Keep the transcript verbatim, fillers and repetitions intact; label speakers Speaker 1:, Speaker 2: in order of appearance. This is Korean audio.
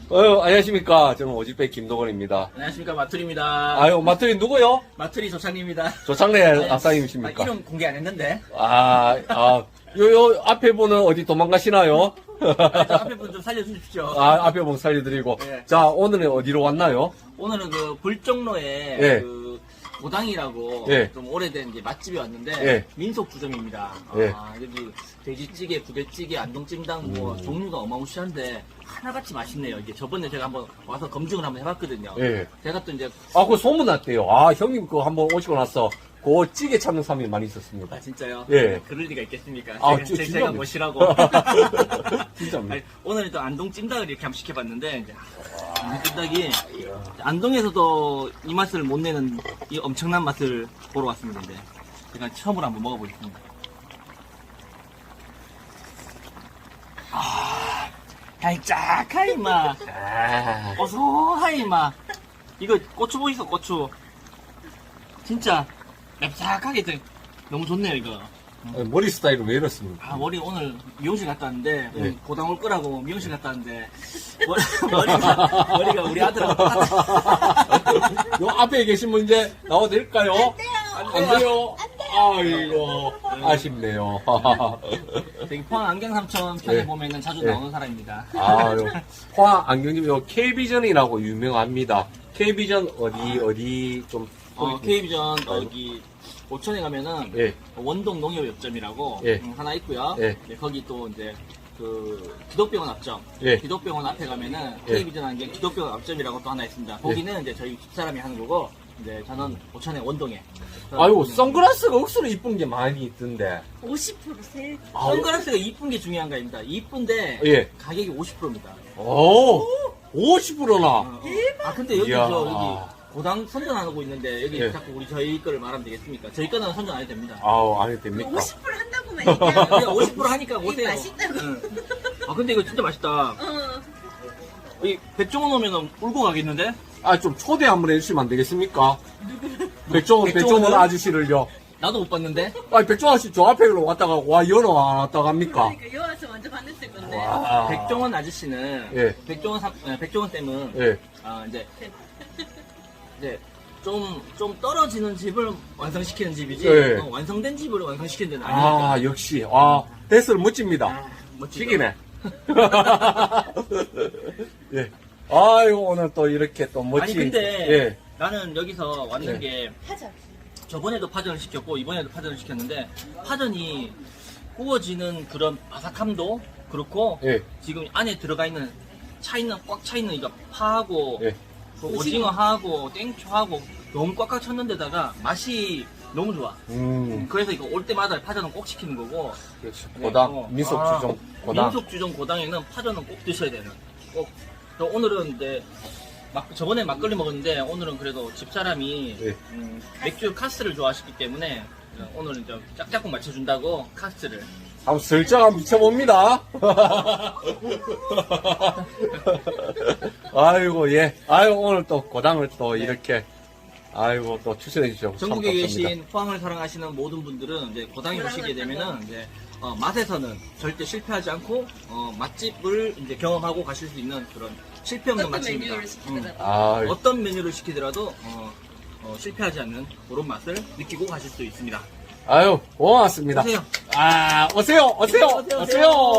Speaker 1: 어, 안녕하십니까. 저는 오지백 김동건입니다.
Speaker 2: 안녕하십니까, 마투리입니다.
Speaker 1: 아유, 마트리 누구요?
Speaker 2: 마투리 조상님입니다.
Speaker 1: 조창래
Speaker 2: 아,
Speaker 1: 앞사님이십니까?
Speaker 2: 이름 공개 안 했는데.
Speaker 1: 아, 아, 요, 요, 앞에 분은 어디 도망가시나요?
Speaker 2: 아, 저 앞에 분 좀 살려주십시오.
Speaker 1: 아, 앞에 분 살려드리고.
Speaker 2: 네.
Speaker 1: 자, 오늘은 어디로 왔나요?
Speaker 2: 오늘은 그 불정로에
Speaker 1: 예.
Speaker 2: 그 고당이라고
Speaker 1: 예.
Speaker 2: 좀 오래된 이제 맛집이 왔는데
Speaker 1: 예.
Speaker 2: 민속 주점입니다.
Speaker 1: 예.
Speaker 2: 아, 여기 돼지찌개, 부대찌개, 안동찜닭 뭐
Speaker 1: 음.
Speaker 2: 종류가 어마무시한데 하나같이 맛있네요. 이게 저번에 제가 한번 와서 검증을 한번 해봤거든요.
Speaker 1: 예.
Speaker 2: 제가 또 이제
Speaker 1: 아, 그 소문 났대요. 아, 형님 그거 한번 오시고 나서 그 찌개 찾는 사람이 많이 있었습니다.
Speaker 2: 아 진짜요?
Speaker 1: 예.
Speaker 2: 그럴 리가 있겠습니까?
Speaker 1: 아,
Speaker 2: 제가,
Speaker 1: 저-
Speaker 2: 제-
Speaker 1: 진짜입니다.
Speaker 2: 제가 뭐시라고.
Speaker 1: 진짜입니다.
Speaker 2: 아니, 오늘 또 안동 찜닭을 이렇게 한번 시켜봤는데 이제 안동 찜닭이 안동에서도 이 맛을 못 내는 이 엄청난 맛을 보러 왔습니다. 이제 제가 처음으로 한번 먹어보겠습니다. 아, 달짝하이 맛,
Speaker 1: 아,
Speaker 2: 고소하이 맛. 이거 고추 보이소 고추. 진짜 맵싹하게 되- 너무 좋네요 이거.
Speaker 1: 머리 스타일은 왜 이렇습니까?
Speaker 2: 아 머리 오늘 미용실 갔다 왔는데
Speaker 1: 네.
Speaker 2: 오늘 고당 올 거라고 미용실 갔다 왔는데 머리, 머리가, 머리가 우리 아들하고 똑같아.
Speaker 1: 요 앞에 계신 분 이제 나와도 될까요? 안 돼요. 안 돼요. 아이고, 아쉽네요.
Speaker 2: 저기 포항 안경삼천 편에
Speaker 1: 네.
Speaker 2: 보면은 자주
Speaker 1: 네.
Speaker 2: 나오는 사람입니다.
Speaker 1: 아유, 포항 안경님, 요 K비전이라고 유명합니다. K비전 어디, 어디 좀.
Speaker 2: 어, K비전 여기 오천에 가면은
Speaker 1: 예.
Speaker 2: 원동 농협협점이라고
Speaker 1: 예.
Speaker 2: 음, 하나 있고요.
Speaker 1: 예.
Speaker 2: 네, 거기 또 이제 그 기독병원 앞점,
Speaker 1: 예.
Speaker 2: 기독병원 앞에 가면은
Speaker 1: 예.
Speaker 2: K비전 안경 기독병원 앞점이라고 또 하나 있습니다. 거기는 이제 저희 집사람이 하는 거고 이제 저는 오천에 원동에.
Speaker 1: 아이고, 선글라스가 억수로 이쁜 게 많이 있던데.
Speaker 3: 오십 퍼센트 세일.
Speaker 1: 아,
Speaker 2: 선글라스가 이쁜 게 중요한 거입니다. 이쁜데
Speaker 1: 예.
Speaker 2: 가격이 오십 퍼센트입니다.
Speaker 1: 오, 오십 퍼센트나.
Speaker 2: 아 근데 여기
Speaker 1: 이야.
Speaker 2: 저 여기 고당 선전 안 하고 있는데 여기
Speaker 1: 예.
Speaker 2: 자꾸 우리 저희 거를 말하면 되겠습니까? 저희 거는 선전 안 해도 됩니다.
Speaker 1: 아우, 안 해도 됩니까?
Speaker 3: 오십 퍼센트 한다고만 얘기하면
Speaker 2: 그냥 오십 퍼센트 하니까
Speaker 3: 이게
Speaker 2: 오세요.
Speaker 3: 맛있다고.
Speaker 2: 응. 아 근데 이거 진짜 맛있다.
Speaker 3: 어.
Speaker 2: 이 백종원 오면은 울고 가겠는데?
Speaker 1: 아, 좀 초대 한번 해주시면 안 되겠습니까? 백종원,
Speaker 2: 백종원은?
Speaker 1: 백종원 아저씨를요.
Speaker 2: 나도 못 봤는데.
Speaker 1: 아, 백종원 아저씨 저 앞에 왔다가, 와, 연어 안 왔다가 합니까?
Speaker 3: 그러니까 여와서 먼저 봤을 건데.
Speaker 1: 와.
Speaker 2: 백종원 아저씨는
Speaker 1: 예.
Speaker 2: 백종원 사, 아, 백종원 쌤은
Speaker 1: 예.
Speaker 2: 아 이제 이제 좀 좀 떨어지는 집을 완성시키는 집이지
Speaker 1: 예.
Speaker 2: 어, 완성된 집을 완성시키는 데는 아니니까.
Speaker 1: 아, 역시. 아, 대스를 멋집니다.
Speaker 2: 아, 멋지죠.
Speaker 1: 튀기네. 예. 아이고, 오늘 또 이렇게 또 멋진.
Speaker 2: 아니 근데
Speaker 1: 예.
Speaker 2: 나는 여기서 왔는
Speaker 1: 예.
Speaker 2: 게
Speaker 3: 하자.
Speaker 2: 저번에도 파전을 시켰고 이번에도 파전을 시켰는데 파전이 구워지는 그런 바삭함도 그렇고
Speaker 1: 예.
Speaker 2: 지금 안에 들어가 있는 차 있는 꽉 차 있는 이거 파하고
Speaker 1: 예.
Speaker 2: 그 오징어하고 땡초하고 너무 꽉꽉 쳤는데다가 맛이 너무 좋아.
Speaker 1: 음.
Speaker 2: 그래서 이거 올 때마다 파전은 꼭 시키는 거고.
Speaker 1: 역시
Speaker 2: 네,
Speaker 1: 고당,
Speaker 2: 어.
Speaker 1: 민속
Speaker 2: 아,
Speaker 1: 주종 고당.
Speaker 2: 민속 주종 고당에는 파전은 꼭 드셔야 되는. 꼭. 그래서 오늘은 이제 막 저번에 막걸리 먹었는데 오늘은 그래도 집사람이
Speaker 1: 예.
Speaker 2: 음, 맥주 카스를 좋아하시기 때문에 오늘은 이제 짝짝꿍 맞춰준다고 카스를.
Speaker 1: 한번 슬쩍 한번 미쳐봅니다. 아이고, 예. 아이고, 오늘 또 고당을 또
Speaker 2: 네.
Speaker 1: 이렇게, 아이고, 또 추천해 주셔서 참
Speaker 2: 전국에
Speaker 1: 감사합니다.
Speaker 2: 계신 포항을 사랑하시는 모든 분들은 이제 고당에 오시게 되면은 이제 어, 맛에서는 절대 실패하지 않고 어, 맛집을 이제 경험하고 가실 수 있는 그런 실패 없는
Speaker 3: 어떤
Speaker 2: 맛집입니다.
Speaker 3: 메뉴를 시키더라도.
Speaker 2: 음.
Speaker 1: 아,
Speaker 2: 어떤 메뉴를 시키더라도 어, 어, 실패하지 않는 그런 맛을 느끼고 가실 수 있습니다.
Speaker 1: 아유, 고맙습니다.
Speaker 2: 오세요.
Speaker 1: 아, 오세요, 오세요,
Speaker 2: 오세요, 오세요.
Speaker 1: 오세요.